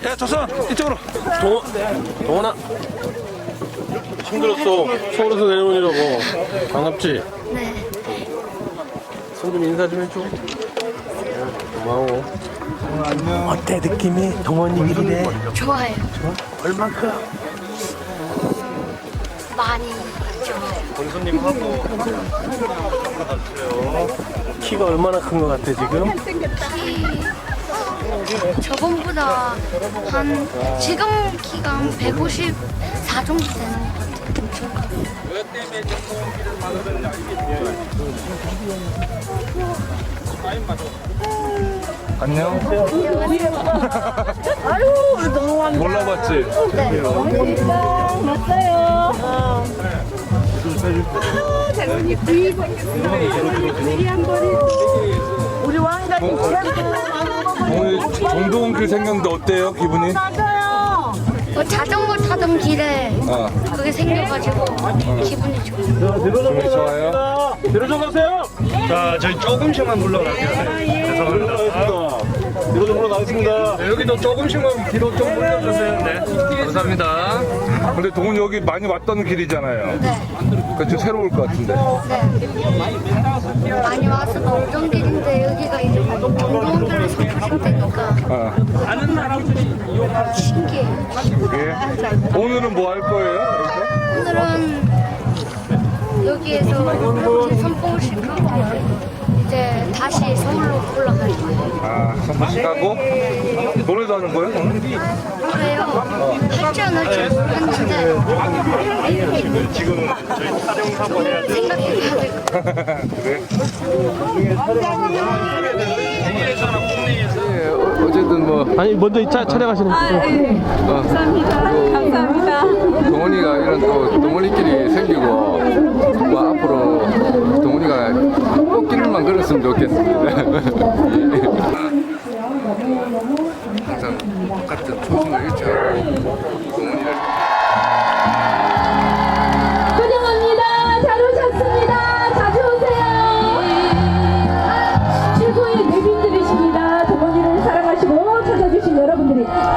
야, 조선 이쪽으로. 동원아 힘들었어. 서울에서 내려온 일하고 반갑지? 네. 손 좀 인사 좀 해줘. 고마워. 어때 느낌이? 동원이 길이래. 좋아요. 얼만큼? 많이 좋아요. 권수님하고 키가 얼마나 큰 것 같아 지금? 저번보다 지금 키가 한 154 정도 되는 것 같아요. 안녕. 몰라봤지? 네. 우리 왕가님 오늘 정동길 생겼는데 어때요 기분이? 자전거 타던 길에 그게 생겨가지고 기분이 좋아요. 기분이 좋아요? 뒤로 좀 가세요. 자, 저희 조금씩만 물러갈게요. 네. 죄송합니다. 뒤로 좀 물러나겠습니다. 네, 여기도 조금씩만 뒤로 좀 물려주세요. 네. 감사합니다. 근데 동훈 여기 많이 왔던 길이잖아요. 네. 그좀 새로울 것 같은데. 네. 많이 와서 오던 길인데 여기가 이제 경동길에서 표식되니까 신기해요. 이게 오늘은 뭐 할 거예요? 오늘은 여기에서 제 선봉을 시키고 이제 다시 서울로 올라갈 거예요. 아, 선포식 하고 노래도 하는 거예요? 오늘? 그래요? 할지 안 할지 모르겠는데 지금 저희 촬영 사고 해야 돼. 생각해봐야 될 것 같아요. 그래? 어쨌든 뭐 아니 먼저 이 촬영하시는 감사합니다. 동원이가 이런 또 동원이끼리 생기고 뭐 앞으로 동원이가 꽃길만 걸었으면 좋겠습니다. 항상 똑같은 초심을 잃지 않고 동원이를 환영합니다. 잘 오셨습니다. 자주 오세요. 최고의 내빈들이십니다. 동원이를 사랑하시고 찾아주신 여러분들이